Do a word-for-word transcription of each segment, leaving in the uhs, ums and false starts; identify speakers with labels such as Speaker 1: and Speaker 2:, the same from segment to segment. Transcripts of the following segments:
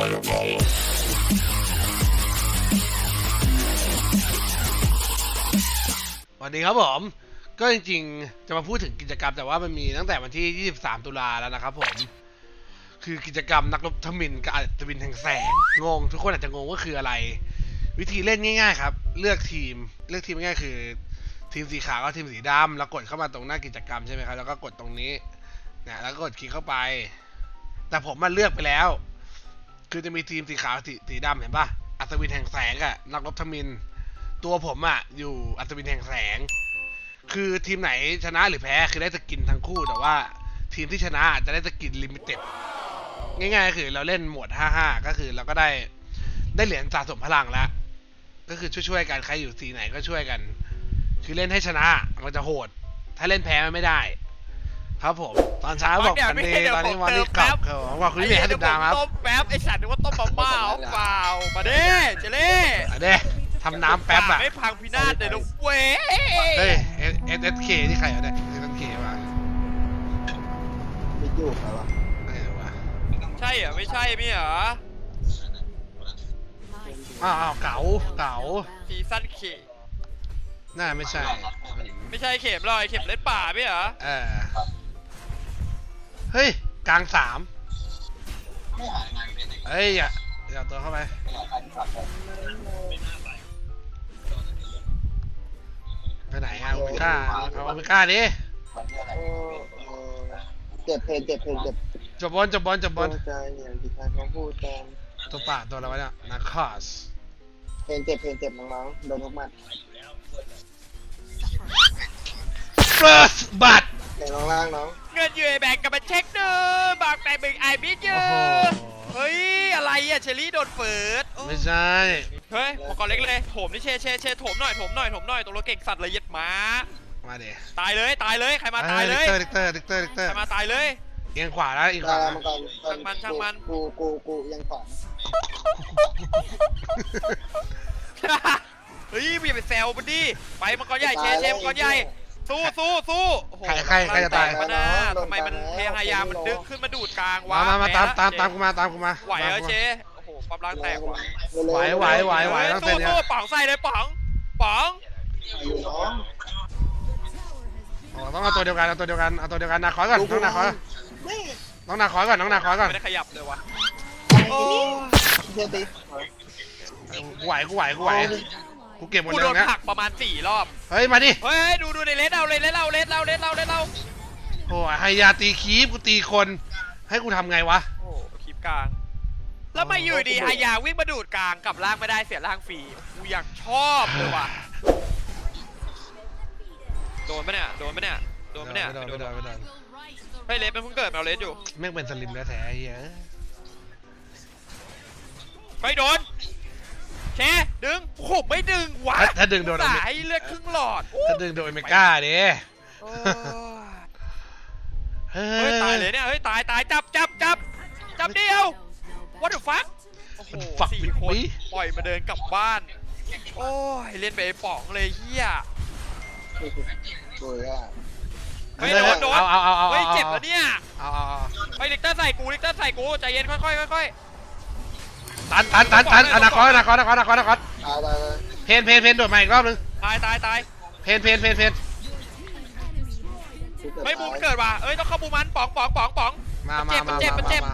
Speaker 1: สวัสดีครับผมก็จริงๆจะมาพูดถึงกิจกรรมแต่ว่ามันมีตั้งแต่วันที่ยี่สิบสามตุลาแล้วนะครับผมคือกิจกรรมนักรบทมิฬกับอัศวินแห่งแสงงงทุกคนอาจจะงงว่าคืออะไรวิธีเล่นง่ายๆครับเลือกทีมเลือกทีมง่ายๆคือทีมสีขาวกับทีมสีดำแล้วกดเข้ามาตรงหน้ากิจกรรมใช่ไหมครับแล้วก็กดตรงนี้เนี่ยแล้วก็กดคลิกเข้าไปแต่ผมมาเลือกไปแล้วคือจะมีทีมสีขาวสีสีดำเห็นปะอัศวินแห่งแสงกับนักรบทมิฬตัวผมอะอยู่อัศวินแห่งแสงคือทีมไหนชนะหรือแพ้คือได้สกินทั้งคู่แต่ว่าทีมที่ชนะจะได้สกินลิมิเต็ดง่ายๆคือเราเล่นโหมดห้าห้าก็คือเราก็ได้ได้เหรียญสะสมพลังแล้วก็คือช่วยๆกันใครอยู่สีไหนก็ช่วยกันคือเล่นให้ชนะมันจะโหดถ้าเล่นแพ้มันไม่ได้ครับผมตอนเช้าบอกกันดีตอนนี้วันนี้กลับเขาบอกคุณพี่ให้ติดตามครับ
Speaker 2: ต้มแป๊บไอสัตว์นึกว่าต้มมาม่าเปล่ามาเด้เจเล่
Speaker 1: มาเด้ทำน้ำแป๊บอะ
Speaker 2: ไม่พังพินาศเลยนะเว้ย
Speaker 1: เฮ้ยเอสเอสเคที่ใครเอาเนี่ยเอสเคมา
Speaker 3: ไม่อยู่ครับวะ
Speaker 2: ใช่เหรอไม่ใช่ไม่เหรอ
Speaker 1: อ้าวเก๋าเก๋า
Speaker 2: ซีซั่นเข
Speaker 1: น่าไม่ใช่
Speaker 2: ไม่ใช่เข็มลอยเข็มเล่นป่าไม่เหรอ
Speaker 1: เออเฮ้ยกลางสามเฮ้ยอย่าอย่าตัวเข้าไปไปไหนอะโอเมก้าเอาโอเมก้าดิ
Speaker 3: เจ็บเพลเจ็บเพลเจ็บ
Speaker 1: จบบอลจบบอลจบบอล
Speaker 3: ใจอย่างที่ใครเขาพูดกัน
Speaker 1: ตัวป่าตัวอะไรวะเนี่ยนาคอส
Speaker 3: เพลเจ็บเพลเจ็บน้องๆโดนทุกมัด
Speaker 1: first บัตร
Speaker 3: เดี๋ยวน้องล่างน้อง
Speaker 2: เงินยูไอแบงก์กับมาเช็คดูบางแต่บึงไอบิดยูเฮ้ยอะไรอะเชอรี่โดนเฟิร์ส
Speaker 1: ไม่ใช่
Speaker 2: เฮ้ยมังกรเล็กเลยโถมนี่เชเชเชโถมหน่อยโถมหน่อยโถมหน่อยตัวเราเก่งสัตว์เลยยัดม้า
Speaker 1: มาเดี๋ย
Speaker 2: ตายเลยตายเลยใครมาตายเลย
Speaker 1: ดิกเตอร์ดิกเตอร์ดิกเตอร์
Speaker 2: ใครมาตายเลย
Speaker 1: เอียงขวาแล้วอีกขวา
Speaker 2: ช่างมันช่างมัน
Speaker 3: กูกูกูยังขวา
Speaker 2: เฮ้ยอย่าไปแซวมันดิไปมังกรใหญ่เชเชมังกรใหญ่สู้สู้สู้
Speaker 1: ใครใครใครจะตาย
Speaker 2: มาหน้าทำไมมันเทหายามันดึงขึ้นมาดูดกลางวะ
Speaker 1: มามาตามตามตามกูมาตามกูมา
Speaker 2: ไหวเหรอเชโอ้โหความร่างแตกว่ะ
Speaker 1: ไหวไหวไหวไหวต้องเต้นเนี่ย
Speaker 2: ป๋องใส่เลยป๋องป๋อง
Speaker 1: ต้องเอาตัวเดียวกันเอาตัวเดียวกันเอาตัวเดียวกันนาคอยก่อนน้องนาคอยน้องนาคอยก่อนน้องนาคอยก่อน
Speaker 2: ไม่ได้ขยับเลยวะ
Speaker 3: เดี๋ยวตี
Speaker 1: กูไหวกูไหวกูไหวกูเก็บหมดเลย
Speaker 2: นะกูโดนผักประมาณสี่รอบ
Speaker 1: เฮ้ยมาดิ
Speaker 2: เฮ้ยดูดูในเลสเอาเลยเลสเอาเลสเอาเลสเอาเลสเอา
Speaker 1: โอ้ยไฮยาตีคีบกูตีคนให้กูทำไงวะ
Speaker 2: โอ้คีบกลางแล้วมาอยู่ดีไฮยาวิ่งมาดูดกลางกับล่างไม่ได้เสียล่างฟรีกูอยากชอบเลยว่ะโดนไหมเนี่ยโดนไหมเนี่ยโดนไหมเนี่ย
Speaker 1: ไม่โดนไม่โดนไม่โดน
Speaker 2: เฮ้ยเลสมันเพิ่งเกิดมาเลสอยู่
Speaker 1: แม่งเป็นสลิมแล้วแท้เหี้ย
Speaker 2: ไปโดนเชดึงโอ้ไม่ดึงวะ
Speaker 1: ถ้าดึงโดน
Speaker 2: สายเลือดครึ่งหลอด
Speaker 1: ถ้าดึงโดนเมก้าดิ
Speaker 2: เฮ้ยตายเลยเนี่ยเฮ้ยตายตายจับจับจับจับเดียว what the fuck โอ้โหสี่คนปล่อยมาเดินกลับบ้านโอ้ยเล่นไปป๋องเลยเฮียเฮ้ยโดนโดนเฮ้ยเจ็บแล้วเนี่ยเฮ้ยลิกเตอร์ใส่กูลิกเตอร์ใส่กูใจเย็นค่อยๆค่อย
Speaker 1: ตันตันตันตันอนาคตอนาคตอนาคตอนาคตอนาคตเพนเพนเพนโดดมาอีกรอบนึง
Speaker 2: ตายตายตาย
Speaker 1: เพนเพนเพนเพน
Speaker 2: ไม่บูมเกิดว่ะเอ้ยต้องเข้าบูมันป๋องป๋องป๋องป๋อง
Speaker 1: มามามา
Speaker 2: เจ็บมันเจ็บ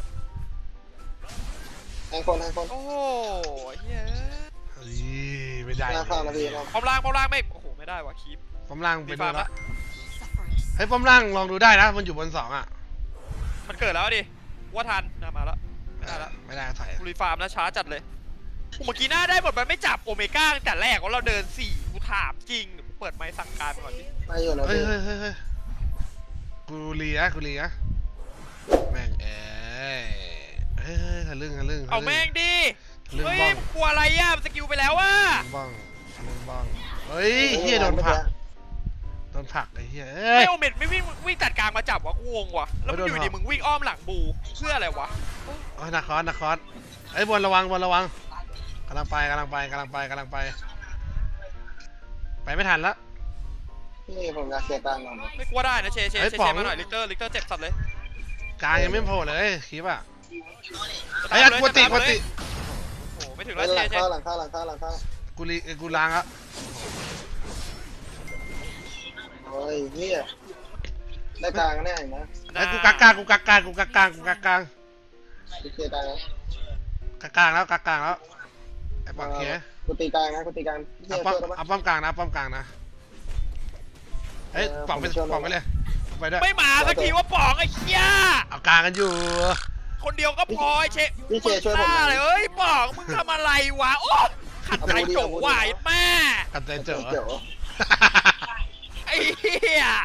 Speaker 3: แทงคนแทงคน
Speaker 2: โอ้ยเฮ้
Speaker 1: ยไม่ได้
Speaker 2: ป้อมล่างป้อมล่างไม่โอ้โหไม่ได้ว่ะคีบ
Speaker 1: ป้อมล่างเป็นดูละให้ป้อมล่างลองดูได้นะมันอยู่บนสองอ่ะ
Speaker 2: มันเกิดแล้วดิว่าทันนะมาแล้ว
Speaker 1: ไม่ได้แล้วไม่ได้ถ่าย
Speaker 2: กูรีฟาร์มนะช้าจัดเลยเมื่อกี้หน้าได้หมดมันไม่จับโอเมก้าตั้งแต่แรกว่าเราเดินสี่กูถามจริงเปิดไม้สั่งการไปก่อนดิ
Speaker 3: ไม่อยู่แล้ว
Speaker 1: เฮ้ยเฮ้ยเฮ้ยกูเลียกูเลียแม่งเอ้ยเฮ้ยทะลึ่งทะลึ่ง
Speaker 2: เอาแม่งดิเฮ้ยกลัวอะไรอ่ะสกิลไปแล้วว่ะ
Speaker 1: บ้องบ้องเฮ้ยเฮียโดนผักโดนผักไอ้เฮีย
Speaker 2: ไม่โอเมดไม่วิ่งวิ่งตัดกลางมาจับวะกูงงว่ะแล้วมันอยู่ดีมึงวิ่งอ้อมหลังบูเพื่ออะไรวะ
Speaker 1: โอ้ยนาคอสนาคอสไอ้บอลระวังบอลระวังกำลังไปกำลังไปกำลังไปกำลังไปไปไม่ทันแล้ว
Speaker 3: นี่ผมจะเสียตังค์
Speaker 2: ไม่กลัวได้นะเชเชเชมาหน่อยลิกเตอร์ลิกเตอร์เจ็บสัตว์เลย
Speaker 1: กลางยังไม่โผล่เลยคลิปอ่ะไอ้ยกวนติกวนติ
Speaker 2: โอ้โหไม่ถึง
Speaker 3: ห
Speaker 2: แล้ว
Speaker 3: ลั
Speaker 2: เช
Speaker 3: ง
Speaker 2: เช
Speaker 3: เข้าหลังเข้าหลังเข้าหลังเข้า
Speaker 1: กูรีเอ้ยกูล้างแล้ว
Speaker 3: โอ้ยเฮียได้กลางแน่นะ
Speaker 1: ไอ้ยกูกักกลางกูกักกลางกูกักกลางกูกักกลาง
Speaker 3: กูเคลียร์กลางนะ
Speaker 1: กักกลางแล้วกักกลางแล้วไอ้ปากเขีย
Speaker 3: กูตีกลางนะกูตีกลางเฮี
Speaker 1: เอา
Speaker 3: ย
Speaker 1: ป้อม
Speaker 3: ช่วยได้ปะ
Speaker 1: เอาป้อมกลางนะป้อมกลางนะเฮ้ย
Speaker 3: เออ
Speaker 1: ป่องไป
Speaker 3: ผมช่วย
Speaker 1: ป่องไปเลยไปด้วย
Speaker 2: ไม่มาสักทีว่าป๋องไอ้เหี้ย
Speaker 1: เอากลางกันอยู่
Speaker 2: คนเดียวก็พอไอ้เช
Speaker 3: พี่เชช่วยผม
Speaker 2: มึง
Speaker 3: หน่
Speaker 2: บ้า
Speaker 3: อย
Speaker 2: เลยเอ้ยป๋องมึงทำอะไรวะโอ้ขัดใจโจวายแม่
Speaker 1: กันใจเจอ
Speaker 3: เจ๋อ
Speaker 2: ไอ้เหี้ย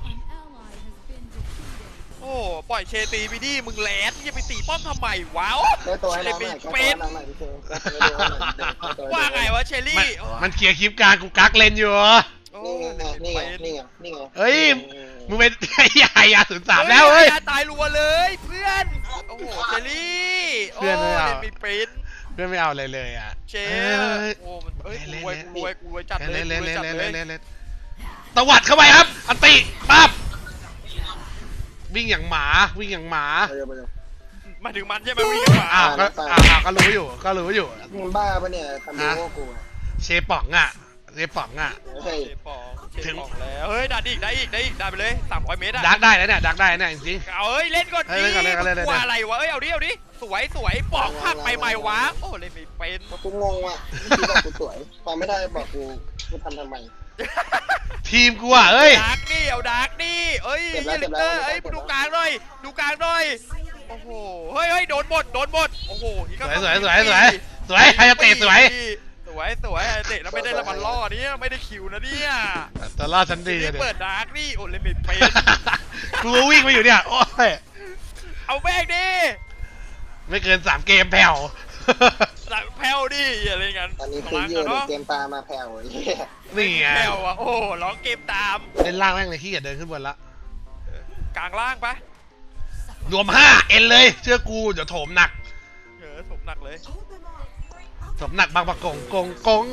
Speaker 2: โอ้ปล่อยเชตีไปดิมึงแหลนจะไปตีป้อมทำไมวะโอ้
Speaker 3: ได้ตัวให้
Speaker 2: เล
Speaker 3: น้
Speaker 2: ย
Speaker 3: อง
Speaker 2: ไป
Speaker 3: หน่อยก็ตัว
Speaker 2: เป็
Speaker 3: ให้
Speaker 2: น
Speaker 3: น้องหน่อยพี่เชได้ตัวให้น้องหน่อยได้ตัวให้น้องหน่อย
Speaker 2: ว่าไงวะเชล
Speaker 1: มัน
Speaker 2: ลี่
Speaker 1: มันเคลียร์คลิปกลางกูกักเลนอยู่
Speaker 2: โอ้
Speaker 3: นี่ไง
Speaker 2: เลย
Speaker 3: นี่ไง
Speaker 2: เป็น
Speaker 3: นี่ไงนี่ไง
Speaker 1: เฮ้ยมึงเป็นไอ้ยายาศูนย์สามแล้วเฮ้ย
Speaker 2: ตายรัวเลยเพื่อนโอ้โหเชลลี่
Speaker 1: เพื่อนไม่เอา
Speaker 2: โล่นมีเป็น
Speaker 1: เพื่อนไม่เอาอะไรเลยอ่ะ
Speaker 2: เช
Speaker 1: เอ้
Speaker 2: ล
Speaker 1: ย
Speaker 2: โอ้มันเอ้ย
Speaker 1: เล่
Speaker 2: กู
Speaker 1: น
Speaker 2: รวย
Speaker 1: เล่น
Speaker 2: กูรวยกูรวยจัดเลย
Speaker 1: เล่น
Speaker 2: กู
Speaker 1: เล่น
Speaker 2: รวย
Speaker 1: เล่น
Speaker 2: จัด
Speaker 1: เล่น
Speaker 2: เล
Speaker 1: เล่
Speaker 2: ย
Speaker 1: นเล่นตวัดเข้าไปครับอันติปั๊บวิ่งอย่างหมาวิ่งอย่างหมา
Speaker 3: ไปเร็วไปเร็ว
Speaker 2: มาถึงมันใช่ไหมวิ่งกันมา
Speaker 1: อ้าวก็อ้าวอ้าวก็รู้อยู่ก็รู้อยู่
Speaker 3: มึงบ้าปะเนี่ยทำดีโง่กูอะ
Speaker 1: เชป๋องอ่ะเชป๋องอ่ะ
Speaker 3: เฮ้ย
Speaker 2: เชฟปองเชฟปองแล้วเฮ้ยดันอีกได้อีกได้อีกได้ไปเลยสามร้อยเมตรอะ
Speaker 1: ดักได้แล้วเนี่ยดักได้เนี่ยจริง
Speaker 2: เอาเฮ้ยเล่นก่อน
Speaker 1: เฮ้
Speaker 2: ดิ
Speaker 1: ยเล่นก่อนเล่นก่อนเล่นก่อน
Speaker 2: กลัวอะไรวะเอ้ยเอาดิเอาดิสวยสวยปอกผักไปใหม่วะโอ้เล่นไม่เป็น
Speaker 3: กูงงว่ะพี่บอกกูสวยพอไม่ได้บอกกูกูทำทำไม
Speaker 1: ๆทีมกูอ่ะเอ้ย
Speaker 2: ดาร์กนี่เอาดาร์กนี่เอ้ย
Speaker 3: เก็บแล้ว
Speaker 2: เหี้ยลิกเตอร์
Speaker 3: เก็บแล้ว
Speaker 2: เอ้ย
Speaker 3: เก็บแล้ว
Speaker 2: ดูกลางหน่อยดูกลางหน่อยโอ้โหเฮ้ยเฮ้ยโดนหมดโดนหมดโอ้โหอีก
Speaker 1: ส
Speaker 2: ก็
Speaker 1: วยสวยสวยสวยสวยใครจะเตะสวย
Speaker 2: สวยสวยเตะแล้วไม่ได้ละมันล่อเนี่ยไม่ได้คิวนะเนี่ย
Speaker 1: แต่ล่าฉันดี
Speaker 2: นี่
Speaker 1: อะเด็
Speaker 2: เปิดดาร์กนี่โอ้เล่นไม่เป็น
Speaker 1: กูวิ่งมาอยู่เนี่ยโอ้ย
Speaker 2: เอาแม่งดิ
Speaker 1: ไม่เกินสามเกมแผ่ว
Speaker 2: หลังแผ่วดิอะไรเงี้ย
Speaker 3: ตอนนี้คือเยอะเลยเกมตามาแผ่วไอ้เหี้ย
Speaker 1: นี่ไง
Speaker 2: แผ่วอ่ะโอ้ร้องเกมตาม
Speaker 1: เล่นล่างแม่งเลยที่อย่าเดินขึ้นบนละ
Speaker 2: กลางล่างปะ
Speaker 1: รวมห้าเอ็นเลยเชื่อกูเดี๋ยวโถมหนัก
Speaker 2: เออสมหนักเลย
Speaker 1: โถมหนักบางประกงกงกง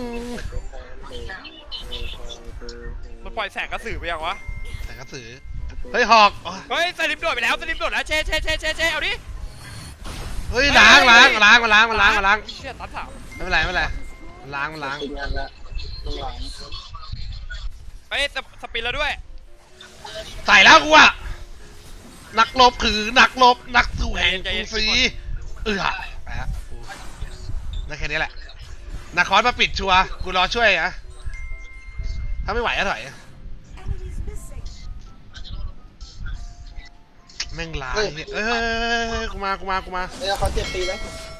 Speaker 2: มันปล่อยแสงกระสือไปยังวะ
Speaker 1: แต่กระสือเฮ้ยหอกอ๋อ
Speaker 2: เฮ้ยสลิมโดดไปแล้วสลิมโดดแล้วเชเชเชเชเชเอาดิ
Speaker 1: เฮ้ยล้างล้างล้างมาล้างมาล้างมาล้าง
Speaker 2: เชี่ยตัดสาม
Speaker 1: ไม่เป็นไรไม่เป็นไรล้างมาล้าง
Speaker 3: ติดงานละมึงหลัง
Speaker 2: ไปสสปินแล้วด้วย
Speaker 1: ใส่แล้วกูอะนักลบคือนักลบนักสู้แห่งกรุงศรีเออไปฮะกูได้แค่นี้แหละนาคอสมาปิดชัวร์กูรอช่วยอะถ้าไม่ไหวก็ถอยแม่งลายเนี่ยเอ้ยกูมากูมากูมา
Speaker 3: เอ้ยเขาเจ็บตีไหม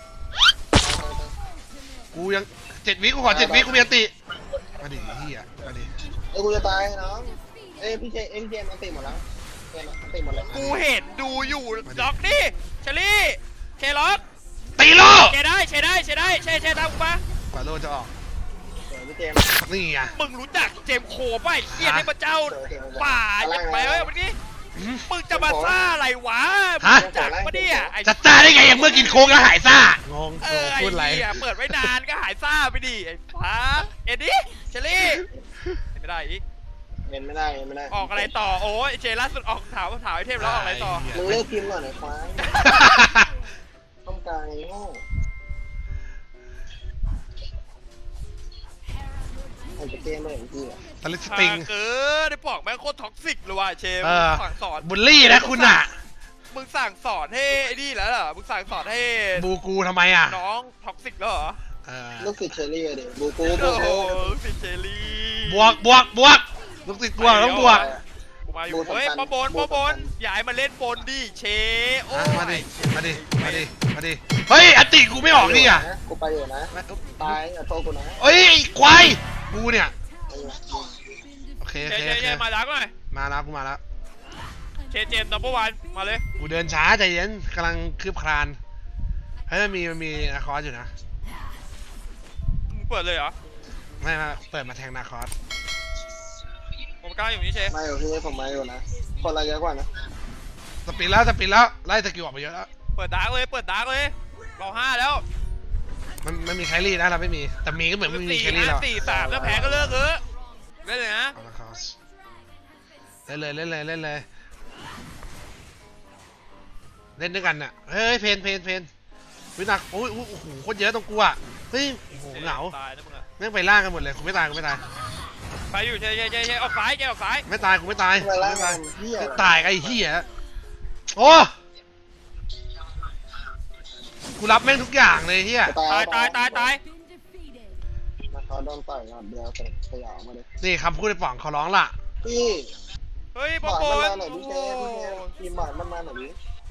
Speaker 1: กูยังเจ็ดวิกูขอเจ็ดวิกูมีอันติมาดิเฮียมาดิ
Speaker 3: เอ้ยกูจะตายน้องเอ้ยพี่เจเอ้ยพี่เจมันตีหมดแล้วเจมันตีหมดแล้ว
Speaker 2: กูเห็นดูอยู่ล็อกดิเชลี่เชล็อก
Speaker 1: ตีโล
Speaker 2: เชได้เชได้เชได้เชเชตามกูมาก
Speaker 1: ว่าโลจะออก
Speaker 3: เดี๋ยวพี่เจม
Speaker 1: นี่ไง
Speaker 2: มึงรู้จักเจมส์โคป่ะไอ้เหี้ยให้พระเจ้าป่าอย่าไปเว้ยวันนี้มึงจะมาซ่าอะไรวะมึงรู้จักปะเนี่ยไอ้
Speaker 1: จะจ้าได้ไงอย่างเมื่อกินโค้กแล้วหายซ่างง
Speaker 2: เออ
Speaker 1: โอ้
Speaker 2: ไอ้
Speaker 1: พูดอะไร
Speaker 2: เหี้ยเปิดไว้นานก็หายซ่าไปดิไอ้ฟ้าเอ็ดดี้เชลี่ไม่ได้อีก
Speaker 3: เล่นไม่ได้เล่นไม่ได้
Speaker 2: ออกอะไรต่อโอ้ยเจล่าสุดออกถามถามไอเทมแล้วออกอะไรต่อ
Speaker 3: มึงเลิกพิมพ์ก่อนไอ้ควายต้องการไอ้โง่ไอ้เจมเลยไอ้เหี้ย
Speaker 1: ตะลิสติง
Speaker 2: เออได้บอกแม่งโคตรท็อกซิกเลยว่ะเชม
Speaker 1: เออ
Speaker 2: สั่งสอน
Speaker 1: บุลลี่นะคุณอ่ะ
Speaker 2: มึงสั่งสอนให้ไอ้นี่แล้วเหรอมึงสั่งสอนให้
Speaker 1: บูกูทำไมอ่ะ
Speaker 2: น้องท็อกซิกแล้วเหรอ
Speaker 1: เออ
Speaker 3: ลูกศิษย์เชอรี่เดี๋ยวบูกูบู
Speaker 2: โอ้โห
Speaker 3: กู
Speaker 2: สิเจลี่
Speaker 1: บวกบวกบวกลูกติดบวกต้องบวก
Speaker 2: กูมาอยู่เฮ้ยปอบนปอบนอย่าให้มันเล่นบนดิเชโอ้
Speaker 1: อ่ะมาดิมาดิมาดิมาดิเฮ้ยอันติกูไม่ออกนี่อ่ะ
Speaker 3: กูไปอยู่นะ ตายอย่าโทษกูนะ
Speaker 1: เฮ้ยไอ้ควายกูเนี่ยโอเค
Speaker 2: เจ
Speaker 1: โอเค
Speaker 2: เจ
Speaker 1: โอ
Speaker 2: เจ
Speaker 1: เค
Speaker 2: มาดักหน่อย
Speaker 1: มาแล้วกูมาแล้ว
Speaker 2: เชเจมดับเบิลวันมาเลย
Speaker 1: กูเดินช้าใจเย็นกำลังคืบคลานเฮ้ยมันมีมันมีนาคอสอยู่นะ
Speaker 2: มึงเปิดเลยเหรอ
Speaker 1: ไม่ไม่เปิดมาแทงนาคอส
Speaker 2: ผมกล้าอยู่นี่เช
Speaker 3: มาอยู่ที่นี่ผมมาอยู่นะ คนละเยอะกว่านะ
Speaker 1: สปีดแล้วสปีดแล้วไล่สกิลออกไปเยอะแล้ว
Speaker 2: เปิดดาร์กเลยเปิดดาร์กเลยเราห้าแล้ว
Speaker 1: มันมันมีแครี่นะเราไม่มีแต่มีก็เหมือนไม่มี
Speaker 2: สี่
Speaker 1: แครี่
Speaker 2: ห้า
Speaker 1: แล้ว
Speaker 2: สี่สามแล้วแพ้ก็เลิกเออได้เลยนะ
Speaker 1: เอาละคอสเล่นเลยเล่นเลยเล่นเลยเล่นด้วยกันน่ะเฮ้ยเพนเพนเพนวินักโอ้ยโอ้โหโคตรเยอะตรงกูอ่ะเฮ้ยโอ้โหเหงา
Speaker 2: ตายนะมึงอะ
Speaker 1: แม่งไปล่างกันหมดเลยกูไม่ตายกูไม่ตาย
Speaker 2: ไปอยู่เฉยเฉยเฉยเฉยออกซ้ายเฉยออกซ้าย
Speaker 1: ไม่ตายกูไม่ตาย
Speaker 3: ทำไมล่าง
Speaker 1: ไม่ตาย
Speaker 3: เฮีย
Speaker 1: ไม่ตายไอ้เหี้ยโอ้กูรับแม่งทุกอย่างเลยเหี้ย
Speaker 2: ตายตายตายตาย
Speaker 3: เขาโดนต่อยก่อนเดียวสยองมาเลย
Speaker 1: นี่คำพูดในป่องเขาร้องล่ะ
Speaker 3: พี่
Speaker 2: เฮ้ย
Speaker 3: ห
Speaker 2: บอ
Speaker 3: ม
Speaker 2: ล
Speaker 3: อน
Speaker 2: โก
Speaker 3: มัน
Speaker 2: น
Speaker 3: มาหน่อยพี่เจพี่เจทีมหมอนมันมาหน่อยดิ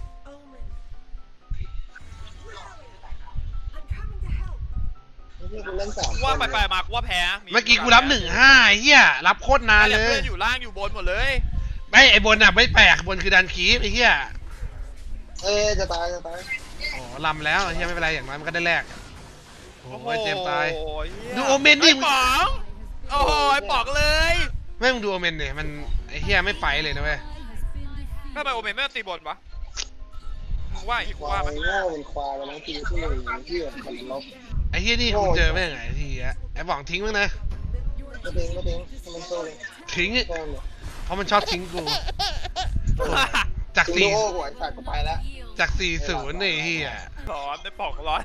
Speaker 3: พี่กูเล่นสาม
Speaker 2: ว่าไปไปมากูว่าแพ้
Speaker 1: เมื่อกี้กูรับหนึ่งห้าเหี้ยรับโคตรนาน
Speaker 2: เล
Speaker 1: เลย
Speaker 2: เพื่อนอยู่ล่างอยู่บนหมดเลย
Speaker 1: ไม่ไอ้บนอ่ะไม่แปลกบนคือดันคีฟไอ้เหี้ย
Speaker 3: เอ้ยจะตายจะตาย
Speaker 1: โอ้ลำแล้วไอ้เหี้ยไม่เป็นไรอย่างน้อยมันก็ได้แลกโอ้โหเจมส์ตาย
Speaker 2: โอ้ย
Speaker 1: ดูโอเมนดิ
Speaker 2: ไอ้ป๋องโอ้ยป๋องเลย
Speaker 1: แม่งดูโอเมนดิมันไอ้เหี้ยไม่ไปเลยนะเว้ย
Speaker 2: ทำไมโอเมนไม่ตีบนวะมึงว่าอีก
Speaker 3: ควา
Speaker 2: ว่าย ไหม
Speaker 3: โง่เป็นควายแล้วทีที่หนึ่งที่มันลบ
Speaker 1: ไอ้เหี้ยนี่กูเจอไม่ยังไงทีอ่ะไอ้ป่องทิ้งมั้งนะ
Speaker 3: ไม่ทิ้งไม่ทิ้งมันโซ่เลย
Speaker 1: ทิ้ง
Speaker 3: โซ่เลย
Speaker 1: เพราะมันชอบทิ้งกูจาก
Speaker 3: ดู
Speaker 1: สี่
Speaker 3: โอ้หัวขาดก็ไปแล้ว
Speaker 1: จากสี่ศูนย์ไอ้เหี้ย
Speaker 2: ร้อนไอ้ป๋องร้อน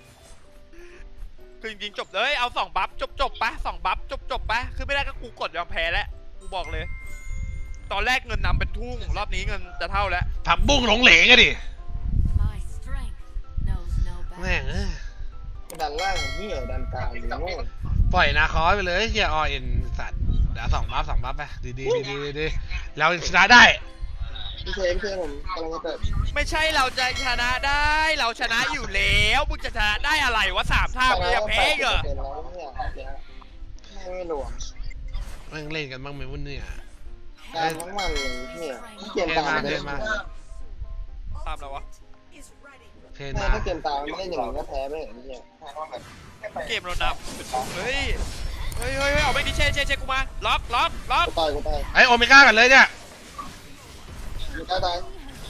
Speaker 2: คือจริงๆจบเลยเอาสองบัฟจบจบๆปะสองบัฟจบจบๆปะคือไม่ได้ก็กูกดยอมแพ้แล้วกูบอกเลย ตอนแรกเงินนำเป็นทุ่งรอบนี้เงินจะเท่าแล้ว
Speaker 1: ผักบุ้งหลงเหลงอะดิ
Speaker 4: My strength knows no
Speaker 1: แม่ง
Speaker 4: bounds.
Speaker 1: เอ้ย
Speaker 3: ดันล่างเหี้ยดันกลางโง่
Speaker 1: ปล่อยนาคอสไปเลยเฮียอเอ็นสัตว์เดี๋ยวสองบัฟสองบัฟไปดีดีดีดีดีเราชนะได้
Speaker 3: พี่เชฟพี่เชฟผมกำลังจะเปิด
Speaker 2: ไม่ใช่เราจะชนะได้เราชนะอยู่แล้วมึงจะชนะได้อะไรวะสามท่ามึงจะแพ้อีกเหรอ
Speaker 3: เป็นแล้วเนี่ยไม่รวม
Speaker 1: แม่งเล่นกันบ้างไหมวุ่นเนี่ย
Speaker 3: การทั้งวันเลยเนี่ยเกมตาม
Speaker 1: เทนมา
Speaker 2: ตามแล้ววะ
Speaker 1: เทน
Speaker 3: แม่
Speaker 1: มา
Speaker 3: ถ้าเกมตามไม่เล่นอย่างนี้ก็แพ้ไปอย่างนี้
Speaker 2: เกมเรานำเฮ้ยเฮ้ยเฮ้ยเฮ้ยเอาไปดิเช่เช่เช่กูมาล็อกล็อกล็อก
Speaker 3: กูตายกูตาย
Speaker 1: ไอโอเมก้ากันเลยเนี่ย
Speaker 3: กูตายตาย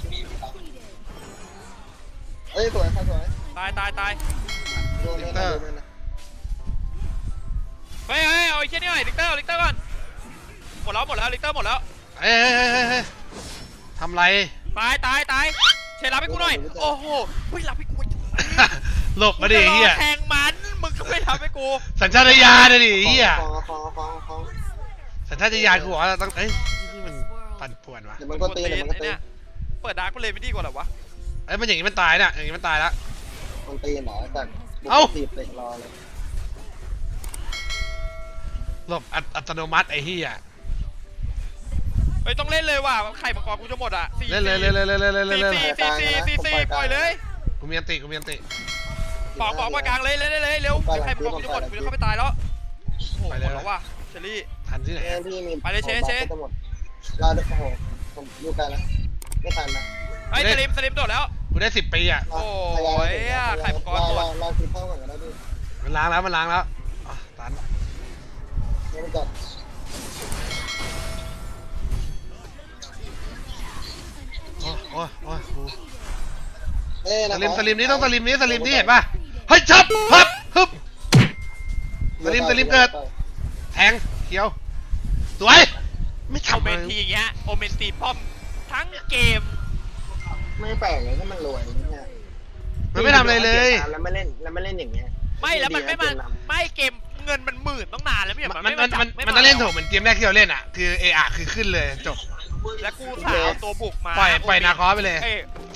Speaker 3: เอ้ยสวยครับสวย
Speaker 2: ตายตายตาย
Speaker 3: โดนเลยนะโดนเลยนะ
Speaker 2: เฮ้ยเฮ้ยเอาไอ้เช่นี่หน่อยลิกเตอร์ลิกเตอร์ก่อนหมดแล้วหมดแล้วลิกเตอร์หมดแล้ว
Speaker 1: เฮ้ยเฮ้ยเฮ้ยเฮ้ยทำไร
Speaker 2: ตายตายตายเชรับให้กูหน่อยโอ้โหเฮ้ยรับให้กู
Speaker 1: หลบมาดิเฮีย
Speaker 2: แทงมันมึงก็ไม่ทำให้กู
Speaker 1: สัญชาตญาณเลยดิเฮีย
Speaker 3: ฟองฟองฟองฟอง
Speaker 1: สัญชาตญาณกูบอกว่าต้องเอ้ยนี่มันปั่นป่วนวะ
Speaker 3: เดี๋ยวมันก็ตีเดี๋ยวมันก็ตี
Speaker 2: เนี่ยเปิดดาร์กไปเลยไม่ดีกว่าหรอวะ
Speaker 1: ไอ้มันอย่างนี้มันตายน่ะอย่างนี้มันตายแล้ว
Speaker 3: มันตีหนอแต่ตีเตะรอเลย
Speaker 1: หลบอัตโนมัติไอ้เฮีย
Speaker 2: เฮ้ยต้องเล่นเลยว่ะไข่มังกรกูจะหมดอ่ะ
Speaker 1: เล่นเลยเล่นเลยเล่นเลยเล่นเลยเล่นเลย
Speaker 2: สี่สี่สี่สี่ปล่อยเลย
Speaker 1: กูมีอันติกูมีอันติ
Speaker 2: ปอกปอกปล่อยกลางเลยเล่นเลยเร็วไข่มังกรกูจะหมดกูจะเข้าไปตายแล้วโอ้โหหมดแล้วว่ะเชอรี่
Speaker 1: ทันที่ไหน
Speaker 3: แม่พี่มีเราโอ้โหผมอยู่กันนะไม่ทันนะ
Speaker 2: ไอ้สลิมสลิมโดดแล้ว
Speaker 1: กูได้สิบปีอ่ะ
Speaker 2: โอ้ยไข่มังกรหมด
Speaker 3: เราเราคือเข้าก่อนก็ได้พี่
Speaker 1: มันล้างแล้วมันล้างแล้วอ่ะตัน
Speaker 3: นี่มันจัด
Speaker 1: โอ้ยโอ้ยโอ้ยกู
Speaker 3: เอ้ย
Speaker 1: สลิมสลิมนี้ต้องสลิมนี้สลิมนี้เห็นป่ะเฮ้ยชับฮึบฮึบสลิมสลิมเกิดแทงเขียวสวยไม่
Speaker 2: โอ
Speaker 1: ทำ
Speaker 2: เม
Speaker 1: เล
Speaker 2: นที
Speaker 1: ย
Speaker 2: อย่างเงี้ยโอเมนตีป้อมทั้งเกม
Speaker 3: ไม่แปลกเลยถ้ามันรวยเนี่ย
Speaker 1: มันไม่ทำอะไรเลย
Speaker 3: แล้วไม่เล่นแล้วไม่เล่นอย่างเงี้ย
Speaker 2: ไม่แล้วมันไม่มาไม่เกมเงินมันหมื่นต้องนานแล้วไม่
Speaker 1: มัน
Speaker 2: มัน
Speaker 1: มัน
Speaker 2: ไม่
Speaker 1: มัน
Speaker 2: ไม่
Speaker 1: มันต้องเล่นโถเหมือนเกมแรกที่เราเล่นอ่ะคือเออะคือขึ้นเลยจบ
Speaker 2: แล้วกูสาวตัวบุกมา
Speaker 1: ปล่อยปล่อยนาคอสไปเลย
Speaker 2: เอ้ย